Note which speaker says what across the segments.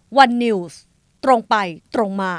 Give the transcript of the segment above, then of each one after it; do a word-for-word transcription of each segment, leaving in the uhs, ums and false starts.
Speaker 1: วันนิวส์ตรงไปตรงมา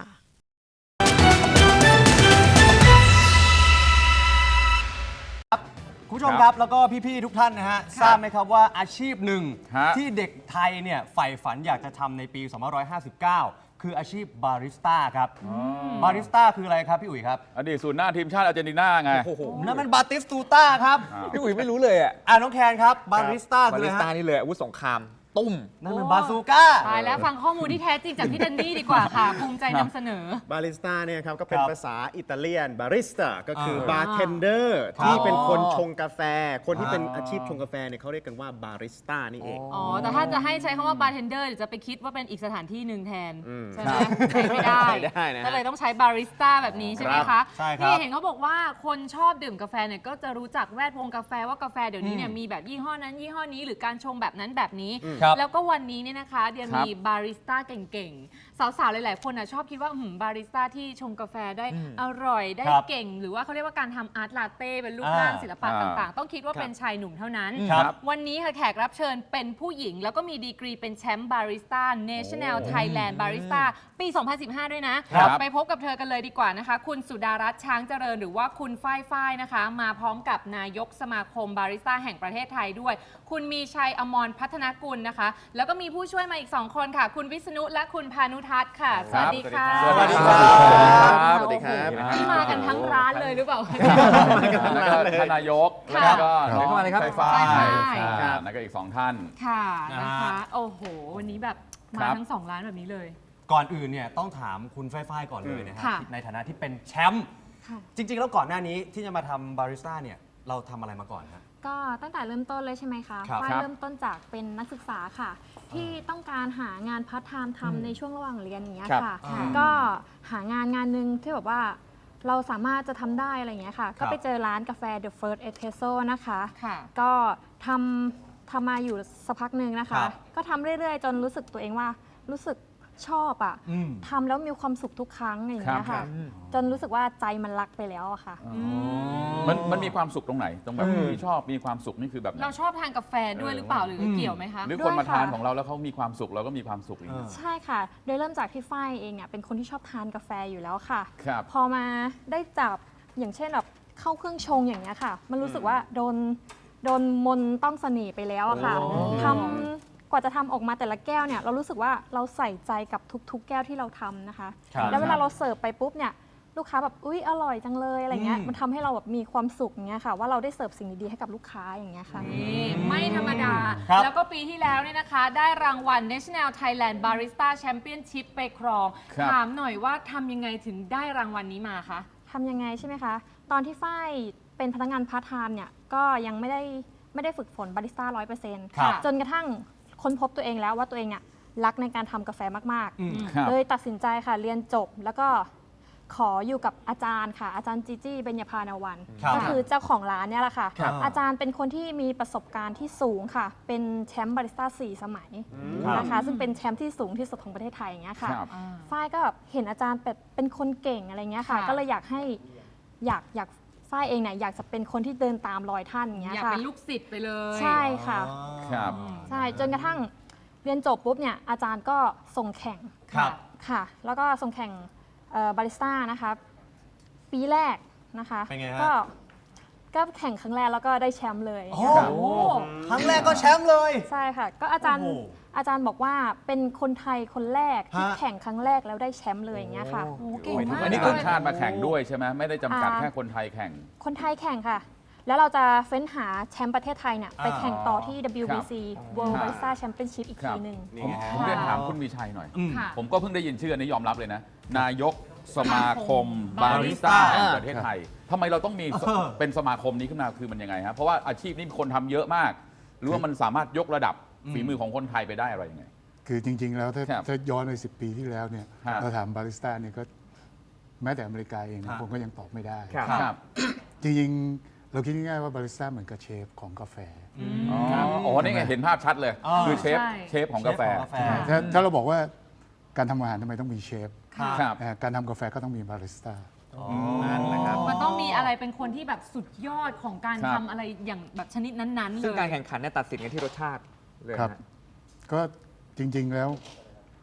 Speaker 2: คุณผู้ชมครับแล้วก็พี่ๆทุกท่านนะฮะทราบไหมครับว่าอาชีพหนึ่งที่เด็กไทยเนี่ยใฝ่ฝันอยากจะทำในปีสองพันห้าร้อยห้าสิบเก้าคืออาชีพบาริสต้าครับบาริสต้าคืออะไรครับพี่อุ๋ยครับ
Speaker 3: อดีตศูนย์หน้าทีมชาติอาร์เจนตินาไง
Speaker 2: โอ้โหนั่นมันบาติสตูต้าครับ
Speaker 4: พี่อุ๋ยไม่รู้เลยอ่ะ
Speaker 2: อ่าน้องแคนครับบาริสต้าคื
Speaker 4: บา
Speaker 2: อ
Speaker 4: ริ
Speaker 2: อะไร
Speaker 4: สต้า
Speaker 2: ฮะ
Speaker 4: นี่เลยอาวุธสงครามตุ้ม
Speaker 2: นั่นมันบาซูก้า
Speaker 5: ตายแล้วฟังข้อมูลที่แท้จริงจากพี่แดนนี่ดีกว่าค่ะ ภูมิใจนำเสนอ
Speaker 6: บาริสต้าเนี่ยครับก็เป็น
Speaker 2: ครับ
Speaker 6: ภาษาอิตาเลียนบาริสต้าก็คือ
Speaker 2: อ่า
Speaker 6: บาร์เทนเดอร์
Speaker 2: ครับ
Speaker 6: ที่เป็นคนชงกาแฟ คนที่เป็น
Speaker 2: อ๋ออ
Speaker 6: อาชีพชงกาแฟเนี่ยเขาเรียกกันว่าบาริสต้านี่เอง
Speaker 5: อ๋อ แต่ถ้าจะให้ใช้คำว่าบาร์เทนเดอร์เดี๋ยวจะไปคิดว่าเป็นอีกสถานที่หนึ่งแทน
Speaker 6: อืม
Speaker 5: ใช่ไหมใช้ไม่ได้
Speaker 6: ใช้ได้นะฮะ
Speaker 5: ก็เลยต้องใช้บาริสต้าแบบนี้ใช่ไหม
Speaker 6: ครั
Speaker 5: คะ
Speaker 6: บ
Speaker 2: ใช่ครับ
Speaker 5: นี่เห็นเขาบอกว่าคนชอบดื่มกาแฟเนี่ยก็จะรู้จักแวดวงกาแฟว่ากาแฟเดี๋ยวนี้เนี่ยมีแบบยี่ห้อนั้นยี่ห้อนี้หรือการชงแบบนั้นแบบนี้
Speaker 2: ครับ
Speaker 5: แล้วก็วันนี้เนี่ยนะคะเดียมีบาริสต้าเก่งๆ สาวๆ หลายๆ คนนะชอบคิดว่าหืมบาริสต้าที่ชงกาแฟได้อร่อยได้
Speaker 2: ครับ
Speaker 5: เก่ง หรือว่าเขาเรียกว่าการทำอาร์ตลาเต้เป็นรูป
Speaker 2: อ่า
Speaker 5: ร่างศิลปะ
Speaker 3: อ่า
Speaker 5: ต่างๆ ต้องคิดว่าเป็นชายหนุ่มเท่านั้น
Speaker 2: ครับ
Speaker 5: วันนี้ค่ะแขกรับเชิญเป็นผู้หญิง แล้วก็มีดีกรีเป็นแชมป์บาริสต้า National Thailand Barista ปี สองพันสิบห้า ด้วยนะ
Speaker 3: ครับ
Speaker 5: ไปพบกับเธอกันเลยดีกว่านะคะ คุณสุดารัตน์ช้างเจริญหรือว่าคุณฝ้ายฝ้ายนะคะ มาพร้อมกับนายกสมาคมบาริสต้าแห่งประเทศไทยด้วย คุณมีชัยอมรพัฒนกุลนะคะ แล้วก็มีผู้ช่วยมาอีกสองคนค่ะ คุณวิษณุและคุณพานุทัศน์ค่ะ สวัสดีค่ะ
Speaker 3: สวัสดีครั
Speaker 6: บสวัสดีครับ
Speaker 5: โอ้โหนี่มากันทั้งร้านเลยหรือเปล่า
Speaker 3: แล้วก็ท่านนายก
Speaker 5: ค่ะ
Speaker 3: แล้วก็
Speaker 4: เดี๋ยวเข้ามาเลยครับ
Speaker 3: ไฟฟ้า
Speaker 5: ไฟฟ้า
Speaker 3: แล้วก็อีกสองท่าน
Speaker 5: ค่ะนะ
Speaker 2: นะ
Speaker 5: คะ
Speaker 2: ฮะ
Speaker 5: โอ้โห วันนี้แบบมา
Speaker 3: ครับ
Speaker 5: ทั้งสองร้านแบบนี้เลย
Speaker 2: ก่อนอื่นเนี่ยต้องถามคุณฝ้ายๆก่อนเลยนะฮะ
Speaker 5: ค่ะ
Speaker 2: ในฐานะที่เป็นแชมป์
Speaker 5: ค่ะ
Speaker 2: จริง ๆ แล้วก่อนหน้านี้ที่จะมาทำบาริสต้าเนี่ยเราทำอะไรมาก่อนฮะ
Speaker 7: ก็ตั้งแต่เริ่มต้นเลยใช่ไหมคะ
Speaker 2: ครับ
Speaker 7: ฝ้าย
Speaker 3: ครับ
Speaker 7: เริ่มต้นจากเป็นนักศึกษาค่ะ ที่ต้องการหางานพาร์ทไทม์ทำในช่วงระหว่างเรียนอย่างเงี้ย
Speaker 4: ครับ
Speaker 7: ค่ะ
Speaker 2: อ่า
Speaker 7: ก็หางานงานหนึ่งที่แบบว่าเราสามารถจะทำได้อะไรอย่างเงี้ยค่ะ
Speaker 2: ครั
Speaker 7: ก็
Speaker 2: บ
Speaker 7: ไปเจอร้านกาแฟ The First Espresso นะคะ
Speaker 5: ค่ะ
Speaker 7: ก็ทำทำมาอยู่สักพักหนึ่งนะ
Speaker 2: ครั
Speaker 7: คะ
Speaker 2: บ
Speaker 7: ก็ทำเรื่อยๆ จนรู้สึกตัวเองว่ารู้สึกชอบอะ
Speaker 2: อืม
Speaker 7: ทำแล้วมีความสุขทุกครั้งอย่างเงี้ย
Speaker 3: ครั
Speaker 7: ค่ะ
Speaker 3: บ
Speaker 7: จนรู้สึกว่าใจมันรักไปแล้วอะค่ะ
Speaker 3: มันมันมีความสุขตรงไหน ตรงแบบ
Speaker 4: อืม
Speaker 3: ที่ชอบมีความสุขนี่คือแบบไหน
Speaker 5: เราชอบทานกาแฟด้วยหรือเปล่าหรืออ
Speaker 2: ม
Speaker 5: เกี่ยวไหมคะ
Speaker 3: หรือ
Speaker 7: ด้
Speaker 3: ค
Speaker 7: วย
Speaker 3: นมาทาน
Speaker 7: ค่ะ
Speaker 3: ของเราแล้วเขามีความสุขเราก็มีความสุขอย่างนี้
Speaker 2: เออ
Speaker 7: ใช่ค่ะ โดยเริ่มจากที่ฝ้ายเองเนี่ยเป็นคนที่ชอบทานกาแฟอยู่แล้วค่ะ
Speaker 3: ครับ
Speaker 7: พอมาได้จับอย่างเช่นแบบเข้าเครื่องชงอย่างเงี้ยค่ะ มันรู้สึกว่าโดนโดนมนต์ต้องเสน่ห์ไปแล้วอะค่ะ
Speaker 2: โอ้
Speaker 7: ทำกว่าจะทำออกมาแต่ละแก้วเนี่ยเรารู้สึกว่าเราใส่ใจกับทุกๆ แก้วที่เราทำนะคะ
Speaker 2: ครับ
Speaker 7: แล้วเวลาเราเสิร์ฟไปปุ๊บเนี่ยลูกค้าแบบอุ๊ยอร่อยจังเลยอะไรเงี้ย
Speaker 2: อืม
Speaker 7: มันทำให้เราแบบมีความสุขอย่างเงี้ยค่ะ ว่าเราได้เสิร์ฟสิ่งดีๆให้กับลูกค้าอย่างเงี้ยค่ะ
Speaker 5: นี่ไม่ธรรมดา
Speaker 2: ครับ
Speaker 5: แล้วก็ปีที่แล้วเนี่ยนะคะ ได้รางวัล National Thailand Barista Championship ไปครอง
Speaker 3: ครับ
Speaker 5: ถามหน่อยว่าทำยังไงถึงได้รางวัลนี้มาคะ
Speaker 7: ทำยังไงใช่ไหมคะ ตอนที่ฝ้ายเป็นพนักงานพาร์ทไทม์เนี่ยก็ยังไม่ได้ไม่ได้ฝึกฝนบาริสต้าร้อยเปอร์เซ็นต์
Speaker 2: ครับ
Speaker 7: จนกระทั่งค้นพบตัวเองแล้วว่าตัวเองเนี่ยรักในการทำกาแฟมาก
Speaker 2: อืม
Speaker 3: ครับ
Speaker 7: ๆ เลยตัดสินใจค่ะเรียนจบแล้วก็ขออยู่กับอาจารย์ค่ะ อาจารย์จีจี้เบญญพานาวัน
Speaker 2: ครับ
Speaker 7: ก็คือเจ้าของร้านเนี่ยแหละค่ะ
Speaker 2: ครับ
Speaker 7: อาจารย์เป็นคนที่มีประสบการณ์ที่สูงค่ะ เป็นแชมป์บาริสต้าสี่สมัย
Speaker 2: ครับ
Speaker 7: นะคะซึ่งเป็นแชมป์ที่สูงที่สุดของประเทศไทยอย่างเงี้ยค่ะ
Speaker 3: ครับ
Speaker 7: ฝ้ายก็แบบเห็นอาจารย์แบบเป็นคนเก่งอะไรเงี้ยค่ะ
Speaker 5: ค่ะ
Speaker 7: ก็เลยอยากให้อยากอยากฝ้ายเองเนี่ยอยากจะเป็นคนที่เดินตามรอยท่านอย่างเงี้ย
Speaker 5: อยาก
Speaker 7: ค่ะ
Speaker 5: เป็นลูกศิษย์ไปเลย
Speaker 7: ใช่ค่ะ
Speaker 3: ครับ
Speaker 7: ใช่จนกระทั่งเรียนจบปุ๊บเนี่ยอาจารย์ก็ส่งแข่ง
Speaker 2: ครับ
Speaker 7: ค่ะ แล้วก็ส่งแข่งบาริสต้านะคะปีแรกนะคะ
Speaker 2: เป็นไงฮะ
Speaker 7: ก็ก็แข่งครั้งแรกแล้วก็ได้แชมป์เลย
Speaker 2: โอ้
Speaker 7: ค่ะ
Speaker 2: โหครั้งแรกก็แชมป์เลย
Speaker 7: ใช่ค่ะ ก็อาจารย์
Speaker 2: โอ้โห
Speaker 7: อาจารย์บอกว่าเป็นคนไทยคนแรกที่
Speaker 2: ฮะ
Speaker 7: แข่งครั้งแรกแล้วได้แชมป์เลยอย่างเงี้ยค่ะ
Speaker 5: โอ้โหเก่งมาก
Speaker 3: อันนี้
Speaker 5: เล
Speaker 3: คน
Speaker 5: ย
Speaker 3: ชาติมาแข่งด้วยใช่ไหมไม่ได้จำกัด
Speaker 7: อ่า
Speaker 3: แค่คนไทยแข่ง
Speaker 7: คนไทยแข่งค่ะ แล้วเราจะเฟ้นหาแชมป์ประเทศไทยเนี่ยไป
Speaker 2: อ่า
Speaker 7: แข่งต่อที่ ดับเบิลยู บี ซี World
Speaker 3: ครับ
Speaker 7: Barista Championship อีก
Speaker 3: ครั
Speaker 7: ที
Speaker 3: บ
Speaker 7: หนึ่ง
Speaker 6: นี่
Speaker 3: ผม
Speaker 6: ไง
Speaker 3: ผมเรียนถามคุณมีชัยหน่อย
Speaker 2: อืม
Speaker 5: ค่ะ
Speaker 3: ผมก็เพิ่งได้ยินชื่ออันนี้ยอมรับเลยนะ นายกสมาคมบา
Speaker 5: บาริ
Speaker 3: ริส
Speaker 5: สต้า
Speaker 3: ต้าแห่งประเทศไทยทำไมเราต้องมี
Speaker 2: เออ
Speaker 3: เป็นสมาคมนี้ขึ้นมาคือมันยังไงฮะเพราะว่าอาชีพนี้มีคนทำเยอะมาก หรือว่ามันสามารถยกระดับฝีมือของคนไทยไปได้อะไรยังไง
Speaker 8: คือจริง ๆ แล้วถ้า
Speaker 3: ครับ
Speaker 8: ถ้าย้อนไปสิบปีที่แล้วเนี่ย
Speaker 3: ครับ
Speaker 8: เราถามบาริสต้าเนี่ยก็แม้แต่อเมริกาเอง
Speaker 2: ครั
Speaker 8: นะ
Speaker 2: บ
Speaker 8: ผมก็ยังตอบไม่ได้
Speaker 4: ครับ
Speaker 3: ครับ
Speaker 8: จริง ๆ เราคิดง่ายๆว่าบาริสต้าเหมือนกับเชฟของกาแฟ
Speaker 3: อ๋ออ๋อนี่ไงเห็นภาพชัดเลย
Speaker 2: อ่า
Speaker 3: คือเชฟ
Speaker 5: ใช่
Speaker 3: เชฟของกาแฟ
Speaker 2: เชฟของกาแฟ
Speaker 8: ถ้าถ้าเราบอกว่าการทำอาหารทำไมต้องมีเชฟ
Speaker 2: ครับ
Speaker 3: ครับ
Speaker 8: นะฮะการทำกาแฟก็ต้องมีบาริสต้า
Speaker 6: นั่นแหละครับ
Speaker 5: มันต้องมีอะไรเป็นคนที่แบบสุดยอดของการ
Speaker 3: ครับ
Speaker 5: ทำอะไรอย่างแบบชนิดนั้นๆเล
Speaker 4: ซึ่ง
Speaker 5: ย
Speaker 4: การแข่งขันเนี่ยตัดสินกันที่รสชาติเลย
Speaker 8: ครับ
Speaker 4: นะ
Speaker 8: ก็จริง ๆ แล้ว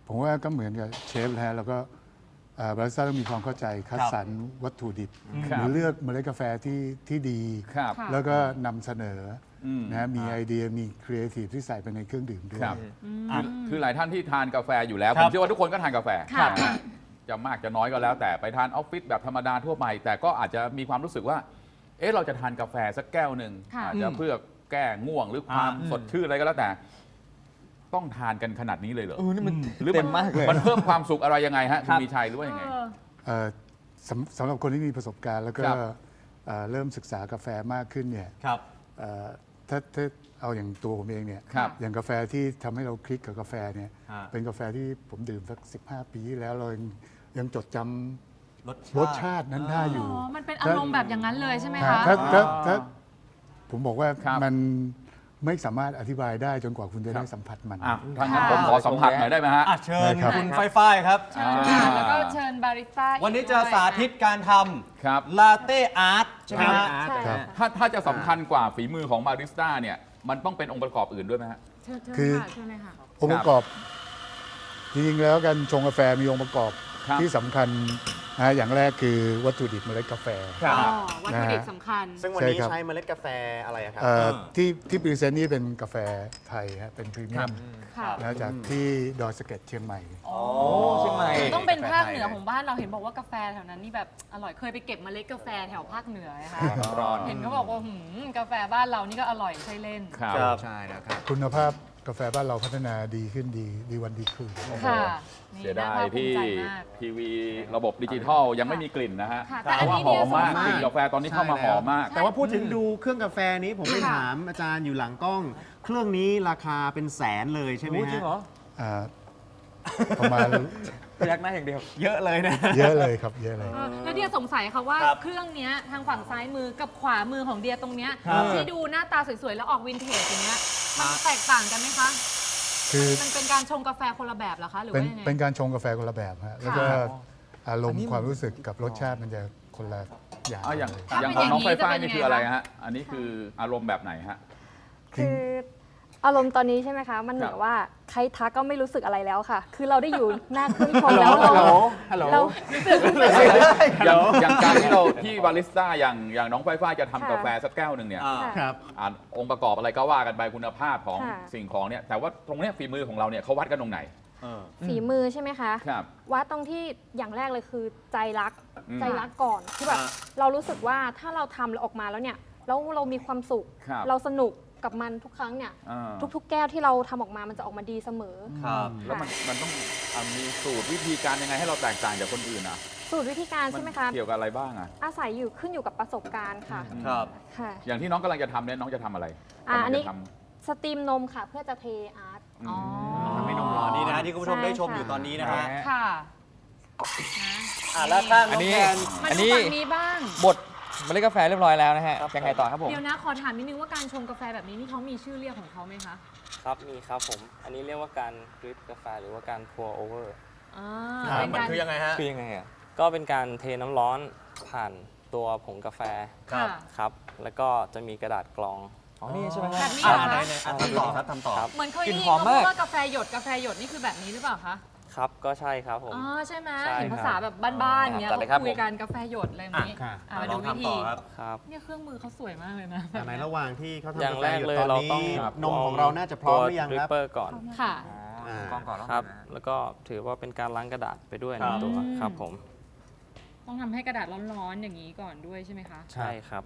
Speaker 8: ผมว่าก็เหมือนกับเชฟนะฮะแล้วก็บาริสต้าต้องมีความเข้าใจคัดสรรวัตถุดิบ
Speaker 3: ครับ
Speaker 8: หรือเลือกเมล็ดกาแฟที่ที่ดี
Speaker 3: ครับ
Speaker 5: ค่ะ
Speaker 8: แล้วก็นำเสนออ
Speaker 3: ม
Speaker 8: นะฮะมีไอเดียมีครีเอทีฟที่ใส่ไปในเครื่องดื่มด้วย
Speaker 3: ครับคือคือหลายท่านที่ทานกาแฟอยู่แล้ว
Speaker 2: ค
Speaker 3: ผ
Speaker 2: รับ
Speaker 3: มเชื่อว่าทุกคนก็ทานกาแฟ
Speaker 5: ค่ะ
Speaker 3: นะฮะจะมากจะน้อยก็แล้ว แต่ไปทานออฟฟิศแบบธรรมดาทั่วไป แต่ก็อาจจะมีความรู้สึกว่า เอ๊ะเราจะทานกาแฟสักแก้วหนึ่ง
Speaker 5: ค่ะ
Speaker 3: อาจจะเพื่อแก้ง่วงหรือความ
Speaker 2: อ่า
Speaker 3: สดชื่นอะไรก็แล้วแต่ ต้องทานกันขนาดนี้เลยเหรอ
Speaker 4: เออนี่มัน
Speaker 3: หรือ
Speaker 4: เต็
Speaker 3: มัน
Speaker 4: มมากเลย
Speaker 3: มันเพิ่มความสุขอะไรยังไงฮะคุ
Speaker 4: ค
Speaker 3: ณ
Speaker 4: รับ
Speaker 3: มีชัยหรือว่ายังไง
Speaker 5: เออ
Speaker 8: เอ่อสำสำหรับคนที่มีประสบการณ์ แล้วก็
Speaker 3: ครับ
Speaker 8: เอ่อเริ่มศึกษากาแฟมากขึ้นเนี่ย
Speaker 2: ครับ
Speaker 8: เอ่อถ้าถ้าเอาอย่างตัวผมเองเนี่ย
Speaker 3: ครับ
Speaker 8: อย่างกาแฟที่ทำให้เราคลิกกับกาแฟเนี่ย
Speaker 2: ฮะ
Speaker 8: เป็นกาแฟที่ผมดื่มสักสิบห้าปีที่แล้วเรายังยังจดจำ
Speaker 2: รส
Speaker 8: รสชาตินั้นได้อยู่
Speaker 5: อ๋อ มันเป็นอารมณ์แบบอย่างนั้นเลยใช่ไหมคะ
Speaker 8: ถ้าถ้าถ้าผมบอกว่า
Speaker 3: ครับ
Speaker 8: มันไม่สามารถอธิบายได้จนกว่าคุณจะได้สัมผัสมัน
Speaker 3: อ่ะทางนั้นผมขอสัมผัสหน่อยได้ไหมฮะ
Speaker 2: อ่ะเชิญ
Speaker 8: ได้ครับ
Speaker 2: คุณไฟฟ้ายครับ
Speaker 5: เชิญค่ะแล้วก็เชิญบาริสต้าอีก
Speaker 2: วันนี้จะ
Speaker 5: ด้วย
Speaker 2: สาธิตการท
Speaker 3: ครับ
Speaker 2: ำลาเต้อาร์ตใช่ไหมฮะ
Speaker 7: ใช่
Speaker 8: ครั
Speaker 7: ค่ะ
Speaker 8: บ
Speaker 3: ถ้าถ้าจะสำคัญกว่าฝีมือของบาริสต้าเนี่ยมันต้องเป็นองค์ประกอบอื่นด้วยไหมฮะ
Speaker 5: เชิญเชิญ
Speaker 8: คือ
Speaker 5: ค่ะเชิญเลยค่ะ
Speaker 8: องค์ประกอบ จริงๆแล้วการชงกาแฟมีองค์ประกอบ
Speaker 3: ครับ
Speaker 8: ที่สำคัญนะอย่างแรกคือวัตถุดิบเมล็ดกาแฟ
Speaker 5: อ๋อ วัตถุดิบสำคัญ
Speaker 6: ซึ่งวันนี้
Speaker 8: ใช่ครับ
Speaker 6: ใช้เมล็ดกาแฟอะไรอะครับ
Speaker 8: เอ่อที่ที่พรีเซนต์นี่เป็นกาแฟไทยฮะเป็นพรีเมียม
Speaker 5: ค่ะ
Speaker 8: นะจากที่ดอยสะเก็ดเชียงใหม่
Speaker 4: โอ้เชียงใหม่
Speaker 5: ต้องเป็นภาคเหนือของบ้านเราเห็นบอกว่ากาแฟแถวนั้นนี่แบบอร่อยเคยไปเก็บเมล็ดกาแฟแถวภาคเหนือนะคะ
Speaker 4: ร้อน
Speaker 5: เห็นเขาบอกว่าหืมกาแฟบ้านเรานี่ก็อร่อยใช่เล่น
Speaker 3: ครับ
Speaker 2: ครับ
Speaker 4: ใช่แล้วครับ
Speaker 8: คุณภาพกาแฟบ้านเราพัฒนาดีขึ้นดีดีวันดีคืน
Speaker 5: ค่ะนี่
Speaker 3: เสียดา
Speaker 5: น่าย ภาคภู
Speaker 3: ที่
Speaker 5: มิใจมาก
Speaker 3: ทีวีระบบดิจิทัลยังไม่มีกลิ่นนะฮะ
Speaker 5: ค่ะ
Speaker 3: เพ
Speaker 5: แต่อัน
Speaker 3: ราะ
Speaker 5: นี้
Speaker 3: ว่าหอมมาก
Speaker 5: เนี่ยสงสัย
Speaker 3: กลิ่นกาแฟตอนนี้เข้ามาหอมมาก
Speaker 6: แต่ว่าพูดถึงดูเครื่องกาแฟนี้ผมไป
Speaker 5: ค่ะ
Speaker 6: ถามอาจารย์อยู่หลังกล้อง เครื่องนี้ราคาเป็นแสนเลยใช่ไหม
Speaker 4: รู้
Speaker 6: ฮะ
Speaker 4: จริงเหรอ
Speaker 8: อ่าประมาณ
Speaker 4: พยักหน้าอย่างเดียว
Speaker 6: เยอะเลยนะ
Speaker 8: เยอะเลยครับเยอะเลย
Speaker 5: เออแล้วเดียสงสัยค่ะว่า
Speaker 2: ครับ
Speaker 5: เครื่องเนี้ยทางฝั่งซ้ายมือกับขวามือของเดียตรงเนี้ย
Speaker 2: ครับ
Speaker 5: ที่ดูหน้าตาสวยๆ แล้วออกวินเทจอย่างเงี้ยมันแตกต่างกันไหมคะ
Speaker 8: คือ
Speaker 5: มันเป็นการชงกาแฟคนละแบบเหรอคะหรือ
Speaker 8: เป็น
Speaker 5: ว่ายังไง
Speaker 8: เป็นการชงกาแฟคนละแบบฮะแล้วก็อารมณ์ความรู้สึกกับรสชาติมันจะคนละอย่าง
Speaker 3: อ่ะอย่าง
Speaker 8: เลย
Speaker 5: ถ้า
Speaker 3: อย่าง
Speaker 5: เป็น
Speaker 3: ของน้อง
Speaker 5: อย่างนี้
Speaker 3: ไฟฟ้า
Speaker 5: จะเป็น
Speaker 3: นี่
Speaker 5: ยังไง
Speaker 3: คืออะไร
Speaker 5: คะ
Speaker 3: ฮะ อันนี้คืออารมณ์แบบไหนฮะ
Speaker 7: คืออารมณ์ตอนนี้ใช่ไหมคะ มันเหมือ
Speaker 3: ครั
Speaker 7: น
Speaker 3: บ
Speaker 7: ว่าใครทักก็ไม่รู้สึกอะไรแล้วค่ะ คือเราได้อยู่หน้าเครื่องชงแล้วเรา
Speaker 4: ฮัลโหล
Speaker 7: เรา
Speaker 3: อย่างอย่างการที่เราที่บาริสต้าอย่างอย่างน้องไฟฟ้าจะทำ
Speaker 7: ค่ะ
Speaker 3: กาแฟสักแก้วหนึ่งเนี่ย
Speaker 2: อ่า
Speaker 6: ครับ
Speaker 3: อ่านองค์ประกอบอะไรก็ว่ากันไปคุณภาพของ
Speaker 7: ค่ะ
Speaker 3: สิ่งของเนี่ยแต่ว่าตรงเนี้ยฝีมือของเราเนี่ยเขาวัดกันตรงไหน
Speaker 2: เออ
Speaker 7: ฝีมือใช่ไหมคะ
Speaker 3: ครับ
Speaker 7: วัดตรงที่อย่างแรกเลยคือใจรัก
Speaker 3: อืม
Speaker 7: ใจรักก่อนคือแบบ
Speaker 2: อ่า
Speaker 7: เรารู้สึกว่าถ้าเราทำแล้วออกมาแล้วเนี่ยแล้วเรามีความสุข
Speaker 3: ครับ
Speaker 7: เราสนุกกับมันทุกครั้งเนี่ย
Speaker 3: อ่า
Speaker 7: ทุกๆ แก้วที่เราทำออกมามันจะออกมาดีเสมอ
Speaker 2: ครับ
Speaker 3: แล้วมันมันต้องอ่ะมีสูตรวิธีการยังไงให้เราแตกต่างจากคนอื่นอ่ะ
Speaker 7: สูตรวิธีการใช่ไหมคะ
Speaker 3: เกี่ยวกับอะไรบ้างอ่ะ
Speaker 7: อาศัยอยู่ขึ้นอยู่กับประสบการณ์ค่ะ
Speaker 2: ครับ
Speaker 7: ค่ะ
Speaker 3: อย่างที่น้องกำลังจะทำเนี่ยน้องจะทำอะไร
Speaker 7: อ่ะอันนี้
Speaker 3: กำลังจะท
Speaker 7: สตรีมนมค่ะ เพื่อจะเทอาร์ต
Speaker 3: ำ
Speaker 5: อ๋อ
Speaker 2: ทำให้นมร้อนนี่นะฮะที่คุณผู้ชม
Speaker 7: ใช่
Speaker 2: ได้ชม
Speaker 7: ค่ะ
Speaker 2: อยู่ตอนนี้นะฮะ
Speaker 5: ค่ะ
Speaker 2: อ่ะแล้วข้าง
Speaker 4: อั
Speaker 2: น้
Speaker 4: น
Speaker 2: อง
Speaker 4: นี้
Speaker 2: แทน
Speaker 5: มา
Speaker 4: อัน
Speaker 5: ดู
Speaker 4: นี้
Speaker 5: ฝั่งนี้บ้าง
Speaker 4: บดเมล็ดกาแฟเรียบร้อยแล้วนะฮะ ยังไงต่อครับผม
Speaker 5: เดี๋ยวนะขอถามนิดนึงว่าการชงกาแฟแบบนี้นี่เขามีชื่อเรียกของเขาไหมคะ
Speaker 9: ครับ มีครับผม อันนี้เรียกว่าการดริปกาแฟหรือว่าการ pour over
Speaker 5: อ่า
Speaker 2: ครับ
Speaker 5: เป็น
Speaker 2: มัน
Speaker 5: การ
Speaker 2: คือยังไงฮะ
Speaker 4: คือยังไงอ่ะ
Speaker 9: ก็เป็นการเทน้ำร้อนผ่านตัวผงกาแฟ
Speaker 2: ครับ
Speaker 9: ครับ แล้วก็จะมีกระดาษกรอง
Speaker 4: อ๋อ นี่ใช่ไหมฮะ
Speaker 5: แบบนี้
Speaker 2: อ่า
Speaker 5: เหรอ
Speaker 2: ไหน
Speaker 5: คะ
Speaker 2: ไหนอ่ะทำต่อครับทำต่อ
Speaker 9: ครับ
Speaker 5: เหมือนเคย
Speaker 4: กลิ่
Speaker 5: ได้
Speaker 4: น
Speaker 5: ยิน
Speaker 4: หอม
Speaker 5: เขาพู
Speaker 4: มา
Speaker 5: ด
Speaker 4: ก
Speaker 5: ว่ากาแฟหยดกาแฟหยดนี่คือแบบนี้หรือเปล่าคะ
Speaker 9: ครับ ก็ใช่ครับผม
Speaker 5: อ๋อใช่ไหม
Speaker 9: ใช่
Speaker 5: เห็น
Speaker 9: ครับ
Speaker 5: ภาษาแบบบ้านๆอย่างเงี้ย
Speaker 4: จัดเลยครับ
Speaker 5: เขาคุยกันกาแฟหยดอะไรแบบนี้
Speaker 2: อ่ะ
Speaker 5: อ่ะมา
Speaker 2: ล
Speaker 5: ดู
Speaker 2: อง
Speaker 5: วิ
Speaker 2: ทำ
Speaker 5: ธี
Speaker 2: ต่อครับ
Speaker 9: ครับ
Speaker 5: เนี่ยเครื่องมือเขาสวยมากเลยนะ
Speaker 6: แต่ในระหว่างที่เขา
Speaker 9: อย่า
Speaker 6: ทำ
Speaker 9: ง
Speaker 6: กา
Speaker 9: แร
Speaker 6: แฟ
Speaker 9: ก
Speaker 6: อยู่
Speaker 9: เลย
Speaker 6: ตอน
Speaker 9: เรา
Speaker 6: นี้
Speaker 9: ต้อง
Speaker 6: นมของเราน่าจะพร้อมหรือยัง
Speaker 9: ดริ
Speaker 6: ค
Speaker 9: ป
Speaker 6: รับ
Speaker 9: เปอร์ก่อน
Speaker 5: ค่ะ
Speaker 6: อ่า
Speaker 4: กล้องก่อนแล้ว
Speaker 9: ครับ
Speaker 4: นะ
Speaker 9: แล้วก็ถือว่าเป็นการล้างกระดาษไปด้วย
Speaker 2: ครั
Speaker 9: ใน
Speaker 2: บ
Speaker 9: ตัว
Speaker 5: อืม
Speaker 9: ครับผม
Speaker 5: ต้องทำให้กระดาษร้อนๆอย่างนี้ก่อนด้วยใช่ไหมคะ
Speaker 9: ใช่ครับ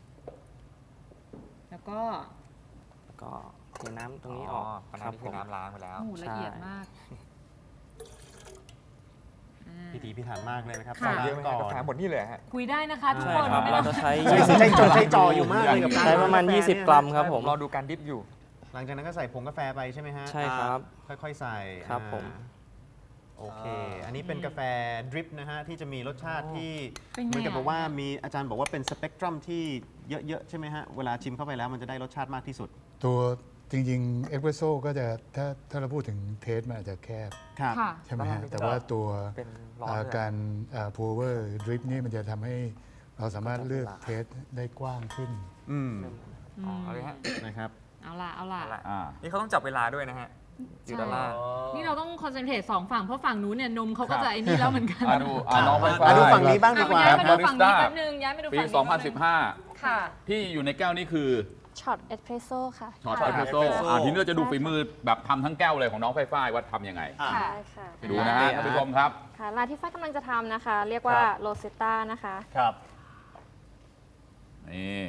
Speaker 5: แล้วก็
Speaker 9: แล้วก็เทน้ำตรงนี้
Speaker 4: อ๋
Speaker 9: อ
Speaker 4: อ
Speaker 9: อก
Speaker 4: อัน
Speaker 9: ค
Speaker 4: นั้
Speaker 9: รั
Speaker 4: น
Speaker 9: บ
Speaker 4: คือ
Speaker 9: ผม
Speaker 4: น้ำล้างไปแล้ว
Speaker 5: โอ้โหละเอียด
Speaker 9: ใช่
Speaker 5: มากอ่า
Speaker 6: พิถีพิถันมากเลยนะครับ
Speaker 5: ค่ะ
Speaker 6: ล้าง
Speaker 4: เยอะไหม
Speaker 6: ก่
Speaker 4: ฮะ
Speaker 6: อน
Speaker 4: กาแฟหมดนี่เลยฮะ
Speaker 5: คุยได้นะคะทุก
Speaker 9: ใช่
Speaker 5: คน
Speaker 9: ครับ
Speaker 5: ไม่
Speaker 9: เรา
Speaker 5: ต้อง
Speaker 9: จะใช้
Speaker 6: ใช้ใช้จดใช้จ่ออยู่มากเลยกับการ
Speaker 9: ใช้ประมาณ
Speaker 6: กาแฟ
Speaker 9: ยี่สิบ
Speaker 6: เนี่ย
Speaker 9: กรัมครับผม
Speaker 4: รอดูการดิฟอยู่
Speaker 6: หลังจากนั้นก็ใส่ผงกาแฟไปใช่ไหมฮะ
Speaker 9: ใช่ครับ
Speaker 6: ค่อยๆใส่
Speaker 9: ครับ
Speaker 6: อ่า
Speaker 9: ผม
Speaker 6: โอเค อันนี้เป็นกาแฟดริปนะฮะที่จะมีรสชาติที่
Speaker 5: เป็นไง
Speaker 6: เหมือนกับ
Speaker 5: อ่ะ
Speaker 6: บอกว่ามีอาจารย์บอกว่าเป็นสเปกตรัมที่เยอะๆใช่ไหมฮะ เวลาชิมเข้าไปแล้วมันจะได้รสชาติมากที่สุด
Speaker 8: ตัวจริงๆเอสเปรสโซ่ก็จะถ้าถ้าเราพูดถึงเทสมันอาจจะแคบ
Speaker 6: ครับ
Speaker 5: ค่ะ
Speaker 8: ใช่ไหม
Speaker 4: แล้วมั
Speaker 8: ฮะ
Speaker 4: นมี
Speaker 8: แต่ว่าตัว
Speaker 4: เป็นร้อน
Speaker 8: อ่า
Speaker 4: ด้วย
Speaker 8: การพูเวอร์ดริปนี่มันจะทำให้เราสามารถเลือกเทสได้กว้างขึ้น
Speaker 6: อืม
Speaker 4: อ๋อเอาเลยฮะ
Speaker 6: นะครับ
Speaker 5: เอาล่ะเอาล่ะ
Speaker 4: เอาละ
Speaker 3: อ่า
Speaker 4: นี่เขาต้องจับเวลาด้วยนะฮะอยู่ด้านล่าง
Speaker 5: นี่เราต้องคอนเซนเทรตสองฝั่งเพราะฝั่งนู้นเนี่ยนมเขาก็จะไอ้นี่แล้วเหมือนกัน
Speaker 3: อ่ะดูอ่ะน้องไฟฟ้า
Speaker 6: อ่ะดูฝั่งนี้บ้างดีกว่า
Speaker 5: ย้ายมาดู
Speaker 3: บาริ
Speaker 5: ฝั่
Speaker 3: ส
Speaker 5: ง
Speaker 3: ต้า
Speaker 5: นี้แป๊บนึงย้ายมาดู
Speaker 3: ปี
Speaker 5: ฝั่งนี้
Speaker 3: สองพันสิบห้า
Speaker 5: ค่ะ
Speaker 3: ที่อยู่ในแก้วนี้คือ
Speaker 7: ช็อตเอสเพรสโซ่ค่ะ
Speaker 3: ช็อต
Speaker 5: ค่ะ
Speaker 3: เอสเพรสโซ่อ่ะทีนี้เราจะดูฝีมือแบบทำทั้งแก้วเลยของน้องไฟฟ้าว่าทำยังไง
Speaker 2: อ่ะ
Speaker 7: ได้ค่ะ
Speaker 3: ไปดูนะฮะท่านผู้ชมครับ
Speaker 7: ค่ะร้านที่ฝ้ายกำลังจะทำนะคะ เรียกว่า
Speaker 2: ครับ
Speaker 7: โรเซตต้านะคะ
Speaker 2: ครับ
Speaker 3: นี่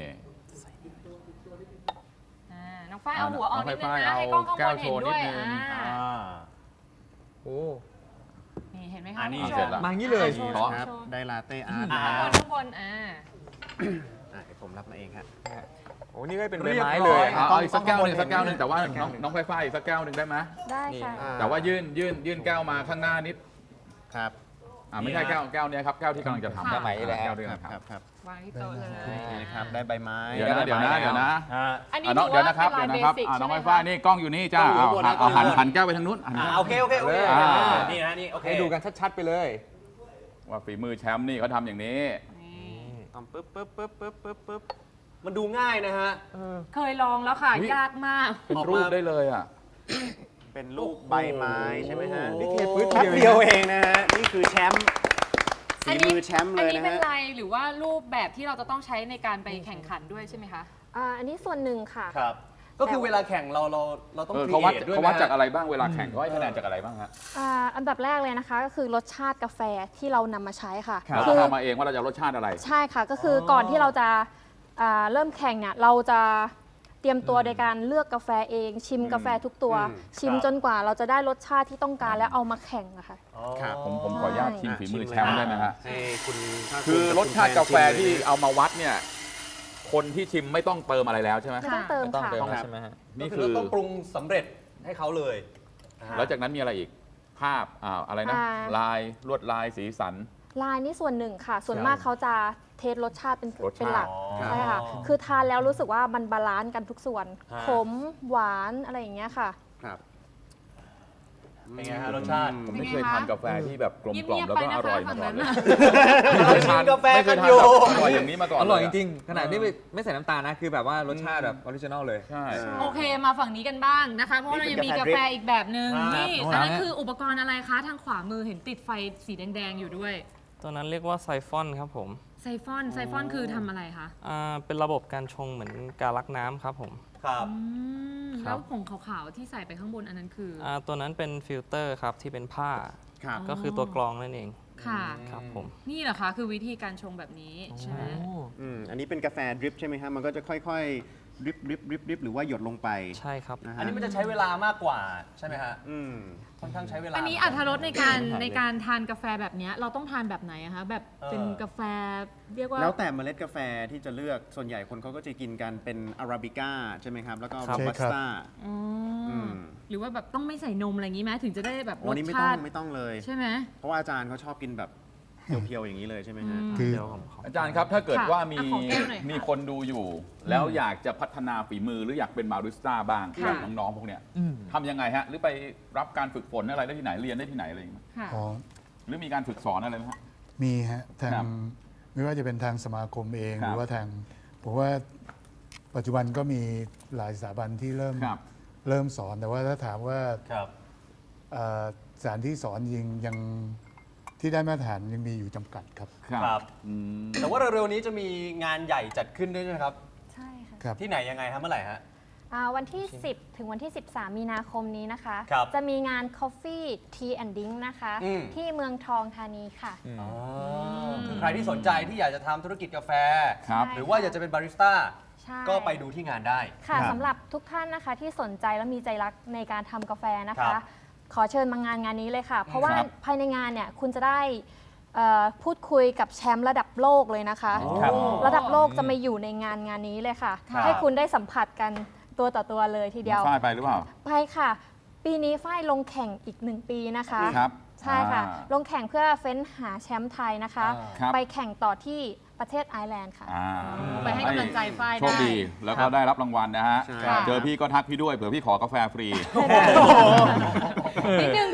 Speaker 5: อ่าน้องฝ้ายเอาหัวออกนิดนึง
Speaker 3: น้องฝ้าย
Speaker 5: นะให้กล้องข้าง
Speaker 3: เอา
Speaker 5: บนเห็นด้วย
Speaker 3: แก้วโชว์นิดนึง
Speaker 5: อ่า
Speaker 2: อ่า
Speaker 4: โอ้
Speaker 5: นี่เห็นไหม
Speaker 2: อั
Speaker 5: คะ
Speaker 2: นนี้
Speaker 5: คุณผู้ช
Speaker 3: เสร็จแล้ว
Speaker 4: มาอย่างนี้เลย
Speaker 5: โชว์
Speaker 3: ขอ
Speaker 6: ครับ
Speaker 5: โชว์
Speaker 6: ได้ลาเต้อาร์ต
Speaker 2: อ่า
Speaker 6: นะ
Speaker 5: ข้าง
Speaker 6: ครับ
Speaker 5: บนข้างบนอ่า
Speaker 6: อ่ะเดี๋ยวผมรับมาเองครับ
Speaker 4: โอ้นี่ก็เป็นใบ
Speaker 2: เรียบ
Speaker 4: ไม้
Speaker 2: ร้
Speaker 4: เล
Speaker 2: อย
Speaker 4: ย
Speaker 3: เอาเอาอีกสักแก้วหนึง
Speaker 2: ต้อง
Speaker 3: สักแก้วหนึงแต่ว่า
Speaker 6: แก้
Speaker 3: น้อ
Speaker 6: ว
Speaker 3: ง
Speaker 6: หนึ่ง
Speaker 3: น้องไฟฟ้าอีกสักแก้วหนึ่งได้ไหม
Speaker 7: ได้ค่ะ
Speaker 6: อ่า
Speaker 3: แต่ว่ายื่นยื่นยื่นแก้วมาข้างหน้านิด
Speaker 6: ครับ
Speaker 3: อ่าไม่ใช่แก้วแก้วเนี้ยครับแก้วที่กำลังจะทำ
Speaker 4: แก้วใหม่นี่แหละ
Speaker 3: แก้วที่
Speaker 6: ค
Speaker 3: กำ
Speaker 6: รั
Speaker 3: ลั
Speaker 6: บ
Speaker 3: ง
Speaker 6: ค
Speaker 3: ท
Speaker 6: รับครับ
Speaker 5: วางที่โต๊ะเลย
Speaker 6: โอเคนะครับ ได้ใบไม้
Speaker 3: ำเดี๋ยวนะเดี๋ยวนะเดี๋ยวนะ
Speaker 2: ฮะ
Speaker 5: อันนี้
Speaker 3: อ่ะน้อง
Speaker 5: ถื
Speaker 3: เดี๋ยว
Speaker 5: ว่า
Speaker 3: นะครับ
Speaker 5: เป็
Speaker 3: เดี๋ย
Speaker 5: ลา
Speaker 3: วย นะครับ
Speaker 5: เบสิก
Speaker 3: อ่าน้
Speaker 5: ใช่
Speaker 3: อง
Speaker 5: ไหม
Speaker 3: ไฟฟ้า
Speaker 5: คะ
Speaker 3: นี่กล้องอยู่นี่จ้า
Speaker 2: ต้องอยู่
Speaker 3: เอา
Speaker 2: ข้างบนนะ
Speaker 3: เอาหัน
Speaker 2: ต้องอยู่
Speaker 3: หันแก้วไปทางนู้นหัน
Speaker 2: อ่าโอเคโอเคโอเค
Speaker 3: อ่า
Speaker 2: นี่นะนี่โอเค
Speaker 4: ให้ดูกันชัดๆไปเลย
Speaker 3: ว่าฝีมือแชมป์นี่เขาทำอย่างนี้
Speaker 6: ทำปึ๊บปึ๊บปึ๊บปึ๊บปึ๊บปึ๊บ
Speaker 2: มันดูง่ายนะฮะ
Speaker 5: เคยลองแล้วค่ะ
Speaker 3: อุ๊ย
Speaker 5: ยากมาก
Speaker 3: เป็น
Speaker 2: ออกมา
Speaker 3: รูปได้เลยอ่ะ
Speaker 6: เป็นรูปใบไม้ใช่ไหมฮะ
Speaker 2: โอ้
Speaker 6: นี่
Speaker 2: โห
Speaker 6: เทปื๊ดแป๊บเดียวเองนะฮะ นี่คือแชมป์
Speaker 5: อั
Speaker 6: ฝี
Speaker 5: นนี้
Speaker 6: มือแชมป์เล
Speaker 5: อัน
Speaker 6: ย
Speaker 5: นี้
Speaker 6: นะ
Speaker 5: เป็น
Speaker 6: ฮะ
Speaker 5: ลายหรือว่ารูปแบบที่เราจะต้องใช้ในการไปแข่งขันด้วยใช่ไหมคะ
Speaker 7: อ่าอันนี้ส่วนหนึ่งค่ะ
Speaker 2: ครับ ก็คือเวลาแข่งเราเราเราต้อง
Speaker 3: เออ
Speaker 2: ครี
Speaker 3: เขาวัด
Speaker 2: เอทด้วย
Speaker 3: เขา
Speaker 2: ไหม
Speaker 3: วัดจาก
Speaker 2: ฮะ
Speaker 3: อะไรบ้างเวลาแข่งเขาให้คะแนนจากอะไรบ้างฮะ
Speaker 7: อ่าอันดับแรกเลยนะคะก็คือรสชาติกาแฟที่เรานำมาใช้ค่ะ
Speaker 3: เรา
Speaker 7: คื
Speaker 3: ต้อง
Speaker 7: อ
Speaker 3: ทำมาเองว่าเราจะรสชาติอะไร
Speaker 7: ใช่ค่ะก็คืออก่อนที่เราจะอ่าเริ่มแข่งเนี่ยเราจะเตรียมตัวโดยการเลือกกาแฟเอง ชิมกาแฟทุกตัว
Speaker 2: อืม
Speaker 7: ชิม
Speaker 2: ครับ
Speaker 7: จนกว่าเราจะได้รสชาติที่ต้องการแล้วเอามาแข่งอะค่ะ
Speaker 2: อ๋อ
Speaker 6: ครับ
Speaker 3: ผมผมขออนุญาตชิมฝีมือแชมป์ได้ไหมฮะ
Speaker 6: ให้คุณภาภูมิ
Speaker 3: คือรสชาติกาแฟที่
Speaker 6: ชิมเลยนะ
Speaker 3: เอามาวัดเนี่ย คนที่ชิมไม่ต้องเติมอะไรแล้วใช่ไหม
Speaker 7: ไม่ต้องเติม
Speaker 4: ไม่ต้อง
Speaker 7: ค่ะ
Speaker 4: เติม
Speaker 6: ครั
Speaker 4: แล้ว
Speaker 6: บ
Speaker 4: ใช่ไหมฮะ
Speaker 3: นี่
Speaker 2: ก็
Speaker 3: คือ
Speaker 2: เราต้องปรุงสำเร็จให้เขาเลย
Speaker 3: แล้วจากนั้นมีอะไรอีก ภาพอ่าอะไรนะ
Speaker 7: อ่า
Speaker 3: ลายลวดลายสีสัน
Speaker 7: ลายนี่ส่วนหนึ่งค่ะ ส่วนมากเขาจะเทสรสชาติเป็น
Speaker 3: รสชาติ
Speaker 7: เป็นหลัก
Speaker 2: อ๋อ
Speaker 7: ใช่ค่ะ คือทานแล้วรู้สึกว่ามันบาลานซ์กันทุกส่วน
Speaker 2: ฮะ
Speaker 7: ขมหวานอะไรอย่างเงี้ยค่ะ
Speaker 6: ครับ
Speaker 2: เป็นไงฮะรสชาติ
Speaker 3: ผมไม่เคยทานกาแฟที่แบบกลมกล่อม
Speaker 5: เงียบๆ
Speaker 3: แล้วก็
Speaker 5: ไปนะคะ
Speaker 3: อร่อยมา
Speaker 5: ฝั่ง
Speaker 3: ก่อน
Speaker 5: นั้น
Speaker 3: เลย
Speaker 5: น่ะ
Speaker 3: ไม่เคยทาน
Speaker 2: กินกาแฟ
Speaker 3: ไม่เคยทาน
Speaker 2: กันอยู่
Speaker 3: แบบอร่อยอย่างนี้มาก่อน
Speaker 4: อร่อย
Speaker 3: เล
Speaker 4: จริงๆ ขนาดนี้ไม่ไม่ใส่น้ำตาลนะ คือแบบว่ารสชาติแบบออริจินอลเลย
Speaker 3: ใช่
Speaker 5: โอเคมาฝั่งนี้กันบ้างนะคะ เพราะว่าเรายังมีกาแฟอีกแบบหนึ่ง
Speaker 2: ครับ
Speaker 5: นี่
Speaker 4: ครับ
Speaker 5: อันนั้นคืออุปกรณ์อะไรคะ ทางขวามือเห็นติดไฟสีแดงๆอยู่ด้วย
Speaker 9: ตัวนั้นเรียกว่าไซฟอนครับผม
Speaker 5: ไซฟอนไซฟอนคือทำอะไรคะ
Speaker 9: อ่าเป็นระบบการชงเหมือนการลักน้ำครับผม
Speaker 2: ครับ
Speaker 5: อืม
Speaker 9: ครั
Speaker 5: แล้
Speaker 9: บ
Speaker 5: วผงขาวๆที่ใส่ไปข้างบนอันนั้นคืออ
Speaker 9: อ่าตัวนั้นเป็นฟิลเตอร์ครับที่เป็นผ้า
Speaker 6: ครับ
Speaker 9: ก็คือตัวกรองนั่นเอง
Speaker 5: ค่ะ
Speaker 9: ครับผม
Speaker 5: นี่เหรอคะ คือวิธีการชงแบบนี้ใช่ไหม
Speaker 6: อืมอันนี้เป็นกาแฟดริปใช่ไหมฮะ มันก็จะค่อยๆดริปดริปดริปดริปหรือว่าหยดลงไป
Speaker 9: ใช่ครับ
Speaker 6: นะฮะ
Speaker 2: อันนี้มันจะใช้เวลามากกว่าใช่ไหมฮะ
Speaker 6: อืม
Speaker 2: ค่อนข้างใช้เวลา
Speaker 5: อันนี้อัตรรสในการในการทานกาแฟแบบเนี้ยเราต้องทานแบบไหนอะคะแบบเป็น
Speaker 2: เออ
Speaker 5: กาแฟเรียกว่า
Speaker 6: แล้วแต่เมล็ดกาแฟที่จะเลือก ส่วนใหญ่คนเขาก็จะกินกันเป็นอาราบิก้าใช่ไหมครับ แล้วก็
Speaker 9: ครับ
Speaker 6: โรบัสต้า
Speaker 5: อ๋ออ
Speaker 6: ม
Speaker 5: หรือว่าแบบต้องไม่ใส่นมอะไรอย่างนี้ไหมถึงจะได้แบบร
Speaker 6: วัน
Speaker 5: ส
Speaker 6: นี้ไม่ต้อ
Speaker 5: ชาง ติ
Speaker 6: ไม่ต้องเลย
Speaker 5: ใช่ไหม
Speaker 6: เพราะว่าอาจารย์เขาชอบกินแบบเพียวๆอย่างนี้เลยใช่ไหมฮะ
Speaker 5: อืม
Speaker 8: คือ
Speaker 9: เดี๋ยวผมขอ
Speaker 3: อาจารย์ครับถ้าเกิด
Speaker 5: ค่ะ
Speaker 3: ว่ามี
Speaker 5: อ่ะขอแก้วหน่อยค่ะ
Speaker 3: มีคนดูอยู่ แล้วอยากจะพัฒนาฝีมือหรืออยากเป็นบาริสต้าบ้าง
Speaker 5: ค่ะ
Speaker 3: แบบน้องๆพวกเนี้ยทำยังไงฮะ หรือไปรับการฝึกฝนอะไรได้ที่ไหนเรียนได้ที่ไหนอะไรอย่างเงี้ย
Speaker 5: ค่ะ
Speaker 8: อ๋อ
Speaker 3: หรือมีการฝึกสอนอะไรไหมฮะ
Speaker 8: มีฮะทา
Speaker 3: ครั
Speaker 8: ง
Speaker 3: บ
Speaker 8: ไม่ว่าจะเป็นทางสมาคมเอง
Speaker 3: ครับ
Speaker 8: หรือว่าทางผมว่าปัจจุบันก็มีหลายสถาบันที่เริ่ม
Speaker 3: ครับ
Speaker 8: เริ่มสอนแต่ว่าถ้าถามว่า
Speaker 2: ครับ
Speaker 8: เอ่อสถานที่สอนยิงยังที่ได้มาตรฐานยังมีอยู่จำกัดครับ
Speaker 2: ครับ
Speaker 3: อืม
Speaker 2: แต่ว่าเร็วๆนี้จะมีงานใหญ่จัดขึ้นด้วยนะครับ
Speaker 7: ใช่ค่ะ
Speaker 8: ครับ
Speaker 2: ที่ไหนยังไงฮะเมื่อไหร่ฮะ
Speaker 7: อ่าวันที่ สิบ ถึงวันที่ สิบสาม มีนาคมนี้นะคะ
Speaker 2: ครับ
Speaker 7: จะมีงาน Coffee Tea and Drink นะคะ
Speaker 2: อืม
Speaker 7: ที่เมืองทองธานีค่ะ
Speaker 2: อ๋อคือใครที่สนใจที่อยากจะทำธุรกิจกาแฟ
Speaker 3: ครับ
Speaker 2: หรือว่าอยากจะเป็นบาริสต้า
Speaker 7: ใช่
Speaker 2: ก็ไปดูที่งานได้
Speaker 7: ค่ะ
Speaker 6: ครับ
Speaker 7: สำหรับทุกท่านนะคะที่สนใจและมีใจรักในการทำกาแฟนะ
Speaker 2: ครั
Speaker 7: คะ
Speaker 2: บ
Speaker 7: ขอเชิญมางานงานนี้เลยค่ะ เพราะว่า
Speaker 3: ครับ
Speaker 7: ภายในงานเนี่ยคุณจะได้เอ่อพูดคุยกับแชมป์ระดับโลกเลยนะคะ
Speaker 2: ครับ
Speaker 7: ระดับโลกจะมาอยู่ในงานงานนี้เลยค่ะ
Speaker 2: ครับ
Speaker 7: ให้คุณได้สัมผัสกันตัวต่อตัวเลยทีเดียว
Speaker 3: ฝ้ายไปหรือเปล่า
Speaker 7: ไปค่ะ ปีนี้ฝ้ายลงแข่งอีกหนึ่งปีนะคะ
Speaker 3: ครับ
Speaker 7: ใช่ค่ะ
Speaker 3: อ่า
Speaker 7: ลงแข่งเพื่อเฟ้นหาแชมป์ไทยนะคะ
Speaker 2: อ่า
Speaker 3: ครับ
Speaker 7: ไปแข่งต่อที่ประเทศไอร์แลนด์ค่ะ
Speaker 3: อ่า
Speaker 5: ไปให้กำลังใจฝ้าย
Speaker 3: โชคดี
Speaker 5: ได้
Speaker 3: แล้วก็ได้รับรางวัลนะฮะ
Speaker 6: ใช่
Speaker 3: เจอพี่ก็ทักพี่ด้วยเผื่อพี่ขอกาแฟฟรี
Speaker 5: นิดนึงพี่เดนนี่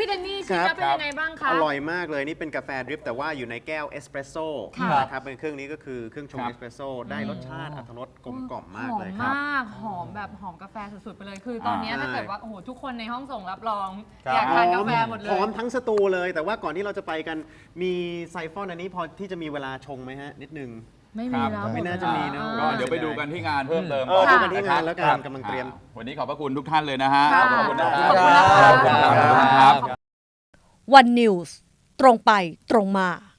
Speaker 5: ชิมแล้วเป็นยังไงบ้างคะ
Speaker 6: อร่อยมากเลยนี่เป็นกาแฟดริปแต่ว่าอยู่ในแก้วเอสเปรสโซ่
Speaker 5: ค่ะ
Speaker 6: นะครับเป็นเครื่องนี้ก็คือเครื่องชง
Speaker 3: ครับ
Speaker 6: เอสเปรสโซ่ได้รสชาติอรรถรสกลมกล่อมมากเลย
Speaker 5: หอม
Speaker 6: ครับ
Speaker 5: มากหอมแบบหอมกาแฟสุดๆไปเลย คือตอนเนี้ย
Speaker 6: อ่า
Speaker 5: ถ้าเกิดว่าโอ้โหทุกคนในห้องส่งรับรอง
Speaker 2: ครับ
Speaker 5: อยากทานกาแฟหมดเล
Speaker 6: หอย มทั้งสตูเลย แต่ว่าก่อนที่เราจะไปกันมีไซฟอนอันนี้พอที่จะมีเวลาชงไหมฮะ นิดนึง
Speaker 5: ไม่มีแล้ว
Speaker 6: ไม่น่าจะมีนะ
Speaker 5: หด
Speaker 3: ก็
Speaker 5: แล้ว
Speaker 3: เดี๋ยวไปดูกันที่งานเพิ่มเติม
Speaker 6: เออ
Speaker 3: ก่
Speaker 6: ดู
Speaker 3: อน
Speaker 6: กันที่งานแล้วกั
Speaker 3: ครั
Speaker 6: น
Speaker 3: บ
Speaker 6: กำลังเตรียม
Speaker 3: อ่าวันนี้ขอบพระคุณทุกท่านเลยนะฮะ
Speaker 5: ค่ะ
Speaker 3: ขอบคุณนะ
Speaker 5: ขอบคุณนะคะ
Speaker 3: ขอบคุณครับ
Speaker 1: วันนิวส์ตรงไปตรงมา